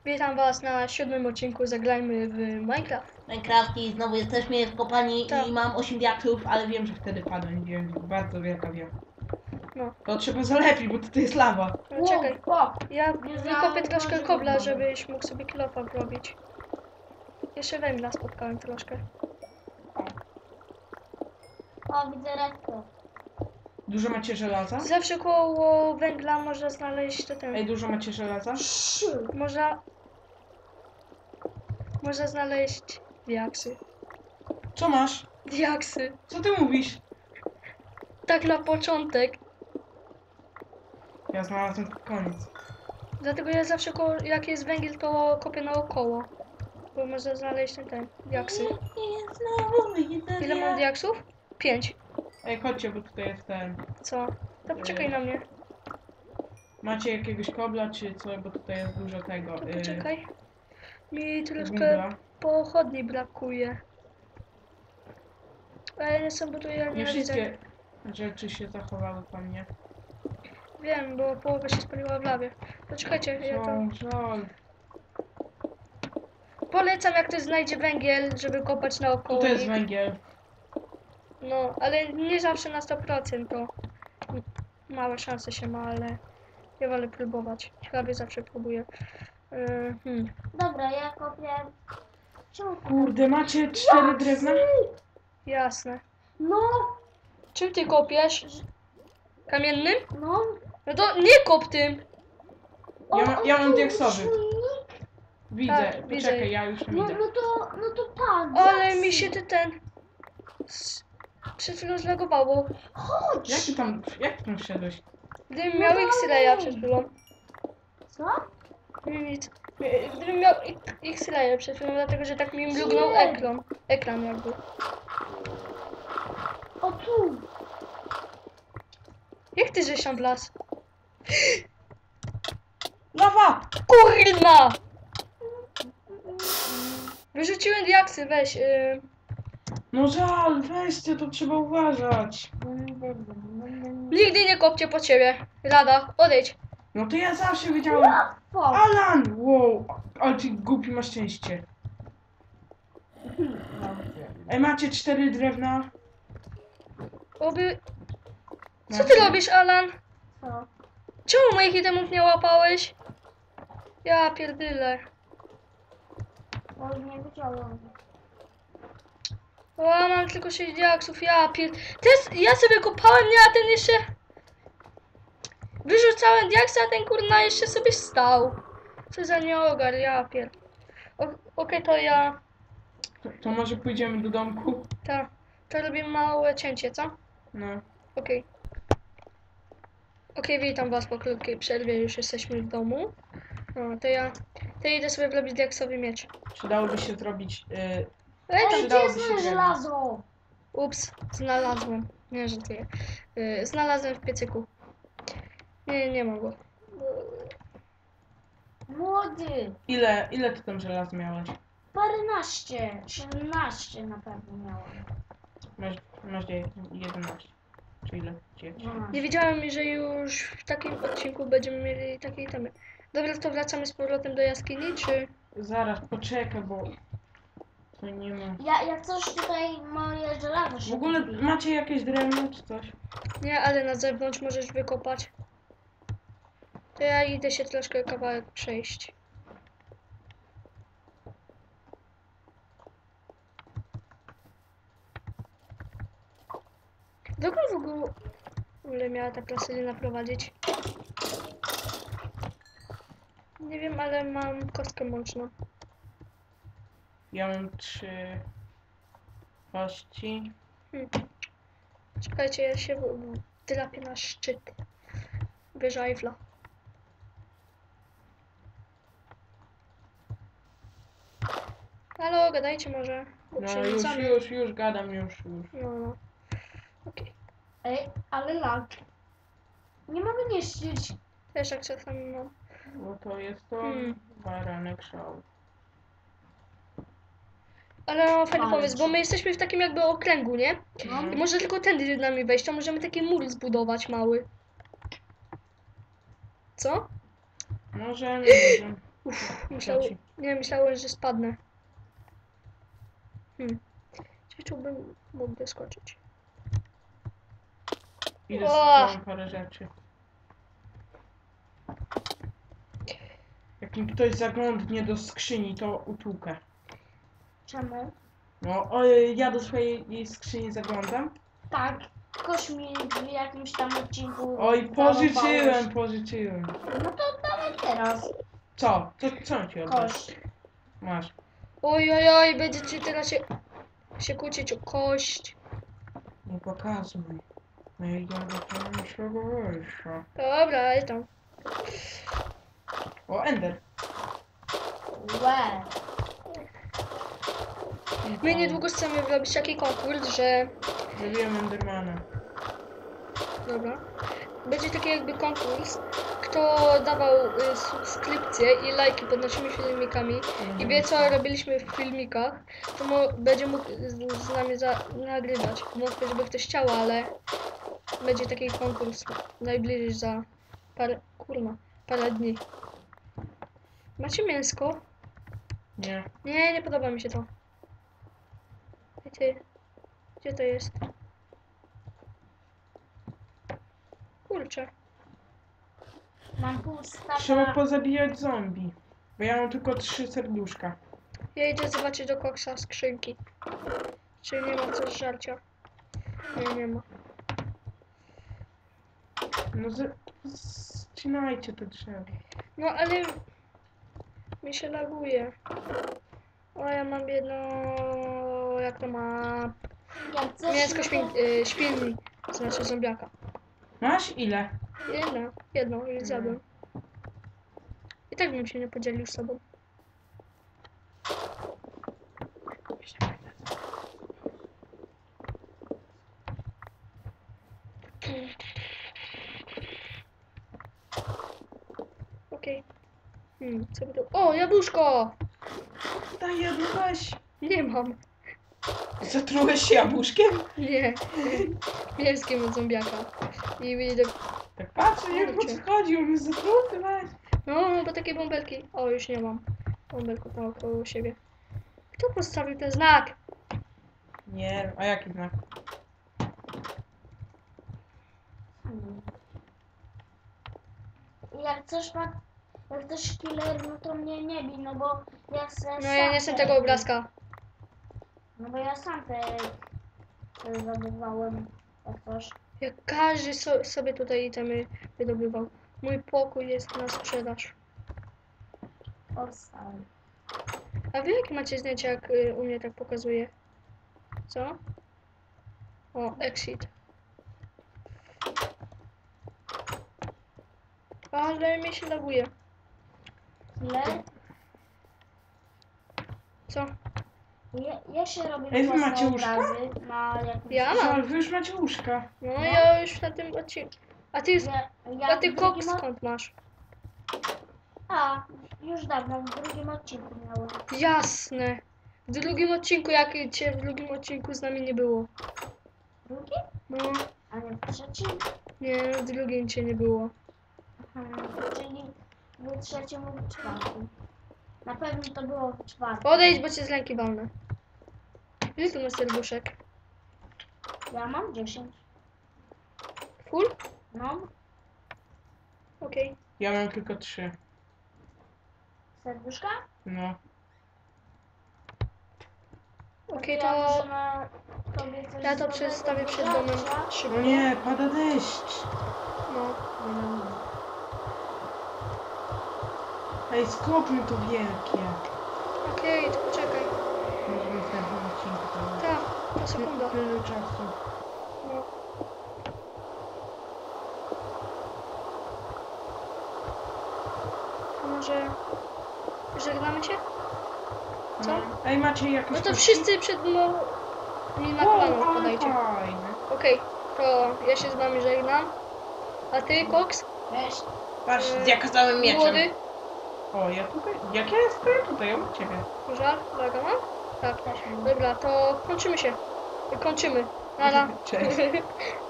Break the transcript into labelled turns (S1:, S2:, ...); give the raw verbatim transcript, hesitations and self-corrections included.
S1: Witam was na siódmym odcinku Zagrajmy w Minecraft.
S2: Minecraft i znowu jesteśmy w kopalni
S1: Tak.
S2: i mam osiem diaksów, ale wiem, że wtedy padłem, wiem, bardzo wielka wiem.
S1: No.
S2: To trzeba zalepić, bo tutaj jest lawa.
S1: No czekaj,
S3: O,
S1: ja
S3: Nie
S1: wykopię
S3: znałem
S1: troszkę
S3: tego,
S1: kobla,
S3: że
S1: żebyś mógł sobie kilofa robić. Jeszcze węgla spotkałem troszkę.
S3: o, widzę redko.
S2: Dużo macie żelaza?
S1: Zawsze koło węgla można znaleźć to ten...
S2: Ej, dużo macie żelaza?
S1: Można... Można znaleźć diaksy.
S2: Co masz?
S1: Diaksy.
S2: Co ty mówisz?
S1: Tak na początek.
S2: Ja znalazłem koniec.
S1: Dlatego ja zawsze koło... jak jest węgiel, to kopię naokoło. Bo można znaleźć ten, ten diaksy.
S2: I znowu widzę
S1: Ile mam diaksów? Pięć.
S2: Ej, chodźcie, bo tutaj jest ten.
S1: Co? To poczekaj na mnie.
S2: Macie jakiegoś kobla czy co, bo tutaj jest dużo tego.
S1: To
S2: y,
S1: poczekaj. Mi troszkę
S2: węgla.
S1: pochodni brakuje. Ale nie są, bo tu ja
S2: Nie
S1: nie widzę.
S2: wszystkie rzeczy się zachowały po mnie.
S1: Wiem, bo połowa się spaliła w lawie. Poczekajcie, ja to...
S2: Co, żal.
S1: Polecam, jak ktoś znajdzie węgiel, żeby kopać naokoło.
S2: Tutaj jest
S1: i-
S2: węgiel.
S1: No, ale nie zawsze na sto procent to małe szanse się ma, ale ja wolę próbować. Prawie zawsze próbuję. Yy, hmm.
S3: Dobra, ja kopię. Czemu?
S2: Kurde, macie cztery drewna?
S1: Jasne.
S3: No,
S1: Czym ty kopiesz? Kamiennym?
S3: no.
S1: No to nie kop tym!
S3: O,
S2: Ja, ma, ja mam
S3: o,
S2: diaksowy.
S3: silnik.
S2: Widzę,
S1: Tak, widzę.
S2: poczekaj, ja już
S3: No,
S2: widzę.
S3: no to, no to pan.
S1: Ale
S3: diaksy.
S1: mi się ty ten... s- Przed chwilą zlagowało.
S3: Chodź.
S2: Jak ty tam, jak ty tam wszedłeś?
S1: Gdybym
S3: No
S1: miał
S3: dalej.
S1: X-raya przed chwilą.
S3: Co?
S1: Nie, nic. Gdybym miał X- X-raya przed chwilą, dlatego że tak mi mrugnął
S3: Nie.
S1: ekran. Ekran jakby.
S3: O tu.
S1: Jak ty żeś tam wlazł?
S2: Lawa!
S1: Kurna! Wyrzuciłem diaksy, weź. Yy.
S2: No żal, weźcie, to trzeba uważać.
S1: Nigdy nie kopcie po ciebie. Rada, odejdź.
S2: No to ja zawsze wiedziałem.
S3: O,
S2: Alan! Wow, ale ty głupi masz szczęście. Ej, macie cztery drewna?
S1: Oby... Co
S2: Macie?
S1: ty robisz, Alan?
S3: co?
S1: Czemu moich itemów nie łapałeś? Ja pierdyle.
S3: O, nie wiedziałem.
S1: O, mam tylko sześć diaksów, ja pier... Teraz ja sobie kopałem, nie, a ten jeszcze... Wyrzucałem diaksy, a ten kurna jeszcze sobie stał. Co za nieogar, ja pier... O- Okej, to ja...
S2: To, to może pójdziemy do domku?
S1: Ta, to robię małe cięcie, co?
S2: No.
S1: Okej. Okej, witam was po krótkiej przerwie, już jesteśmy w domu. No, to ja... To ja idę sobie wrobić diaksowy miecz.
S2: Przydałoby się zrobić... Yy,
S1: Ej,
S3: Ej,
S1: tam...
S3: gdzie
S2: Przydałoby
S3: jest
S2: się
S3: moje
S2: drewno.
S3: żelazo?
S1: Ups, znalazłem. Nie, żartuję. Yy, znalazłem w piecyku. Nie, nie mam go.
S3: Młody.
S2: ile, ile ty tam żelaz miałeś?
S3: Paręnaście. Siedemnaście na pewno miałem.
S2: Masz, masz dziewięć, jedenaście. Czy ile? dziewięć.
S3: dwanaście.
S1: Nie wiedziałem, że już w takim odcinku będziemy mieli takie itemy. Dobra, to wracamy z powrotem do jaskini, czy...
S2: Zaraz, poczekaj, bo... To nie ma...
S3: Ja, jak coś tutaj moje żelazo się
S2: W ogóle
S3: kupi.
S2: macie jakieś drewno czy coś?
S1: Nie, ale na zewnątrz możesz wykopać. To ja idę się troszkę kawałek przejść. Dokąd w ogóle, w ogóle miała ta plastelina prowadzić? Nie wiem, ale mam kostkę mączną.
S2: Ja mam trzy... kości.
S1: Hmm. Czekajcie, ja się w- drapię na szczyt. Wyża Eiffla. Halo, gadajcie może. Bo
S2: No już,
S1: przerzucamy.
S2: już, już gadam, już, już.
S1: No, no. Okej.
S3: Ej, ale lag. Nie mogę niszczyć.
S1: Też jak czasami mam.
S2: Bo to jest to
S1: Hmm.
S2: baranek szał.
S1: Ale mam fajny
S3: Ale
S1: pomysł, bo
S3: co?
S1: my jesteśmy w takim jakby okręgu, nie?
S3: No.
S1: I może tylko tędy nami wejść, to możemy taki mur zbudować mały. Co?
S2: Możemy, możemy.
S1: Uff, myślał,
S2: Leci.
S1: nie, myślałem, że spadnę. Hmm. Czy tu bym mógł doskoczyć?
S2: Idę
S1: O!
S2: z parę rzeczy. Jak mi ktoś zaglądnie do skrzyni, to utłukę.
S3: Czemu?
S2: No, oj, ja do swojej skrzyni zaglądam.
S3: Tak, ktoś mi w jakimś tam odcinku
S2: Oj,
S3: zarąbałeś.
S2: pożyczyłem, pożyczyłem.
S3: No to dawaj teraz.
S2: Co? Co, co ci oddasz?
S3: Kość.
S2: Masz.
S1: Oj, oj, oj, będziecie teraz się, się kłócić o kość.
S2: Nie pokazuj. No i ja do swego wejścia.
S1: Dobra, ale tam.
S2: O, Ender.
S3: Łe.
S1: My niedługo chcemy robić taki konkurs, że...
S2: Zrobiłem Endermana.
S1: Dobra. Będzie taki jakby konkurs, kto dawał y, subskrypcje i lajki pod naszymi filmikami i wie co robiliśmy w filmikach, to mo będzie mógł z, z nami za nagrywać. Wątpię, żeby ktoś chciał, ale będzie taki konkurs najbliżej za parę, kurna, parę dni. Macie mięsko?
S2: Nie.
S1: Nie, nie podoba mi się to. Wiecie, gdzie to jest? Kurczę.
S3: Mam pół
S2: Trzeba
S3: staka.
S2: pozabijać zombie. Bo ja mam tylko trzy serduszka.
S1: Ja idę zobaczyć do koksa skrzynki. Czy nie ma coś żarcia? Nie, nie ma.
S2: No z... Zcinajcie te drzewo.
S1: No ale... Mi się laguje. O, ja mam jedno... Jak to ma...
S3: Jak coś
S1: Mięsko
S3: no to-
S1: świn... y, świnni. Znaczy zombiaka.
S2: Masz ile?
S1: Jedno. Jedno i zjadłem. I tak bym się nie podzielił z sobą. Okej. Hmm, co by to... O, jabłuszko!
S2: Daj jedno, weź.
S1: Nie mam.
S2: Zatrułeś się jabłuszkiem?
S1: Nie. Mięskiem od zombiaka. I idę...
S2: Tak patrzę, jak on
S1: Kurczę.
S2: schodzi, on jest zatruty, weź.
S1: No, bo takie bąbelki. O, już nie mam. Bąbelków naokoło siebie. Kto postawił ten znak?
S2: Nie, a jaki znak?
S3: Hmm. Jak coś ma... Jak ktoś killer, no to mnie nie bij, no bo ja se
S1: No
S3: sam
S1: ja nie chcę
S3: te-
S1: tego obrazka.
S3: No bo ja sam te... te zdobywałem. Jak coś.
S1: Jak każdy so, sobie tutaj itemy wydobywał. Mój pokój jest na sprzedaż.
S3: Powstał.
S1: A wy jakie macie zdjęcia, jak y, u mnie tak pokazuje? Co? O, exit. Ale mi się laguje.
S3: Killer?
S1: Co?
S3: Ja, ja się robię
S2: Ej, wy
S3: własne
S2: macie łóżka?
S3: obrazy na jakimś...
S1: Ja mam.
S2: Ale wy już macie łóżka.
S1: No
S3: No.
S1: ja już na tym odcinku. A ty,
S3: Ja, ja
S1: a ty
S3: w
S1: kok
S3: drugim od-
S1: skąd masz?
S3: A, już dawno, w drugim odcinku miałem.
S1: Jasne. W drugim odcinku, jak cię w drugim odcinku z nami nie było.
S3: Drugi?
S1: No,
S3: A nie w trzecim?
S1: nie, w drugim cię nie było.
S3: Hmm, czyli w trzecim lub czwartym. Na pewno to było w czwartym.
S1: Odejdź, bo cię z ręki walnę. Ile tu masz serduszek?
S3: Ja mam dziesięć.
S1: Full?
S3: No,
S1: Okej.
S2: Ja mam tylko trzy.
S3: serduszka?
S2: No.
S1: Okej,
S3: ja
S1: to
S3: możemy tobie coś
S1: ja to
S3: dobrego
S1: przedstawię przed
S3: dodać,
S1: domem
S3: ja?
S1: szybko.
S2: No nie, pada deszcz.
S1: No.
S2: Ej, skopmy to wielkie.
S1: Okej, to poczekaj.
S2: Może w następnym odcinku to
S1: Tak, to sekunda.
S2: tyle czasu.
S1: No. To może żegnamy się? Co?
S2: No. Ej, macie jakieś
S1: No to
S2: kości?
S1: wszyscy przed mną mi na
S2: Wow,
S1: kolano
S2: ale
S1: wpadajcie.
S2: fajne.
S1: Okej, to ja się z wami żegnam. A ty, Koks?
S3: Cześć.
S2: Patrz,
S1: E,
S2: z jak całym mieczem.
S1: Młody?
S2: O, ja tutaj. Jak ja stoję tutaj, obok ciebie.
S1: Żar? Uwaga, mam? Tak.
S3: Też mam.
S1: Dobra, to kończymy się. Kończymy. Nara.
S2: Cześć.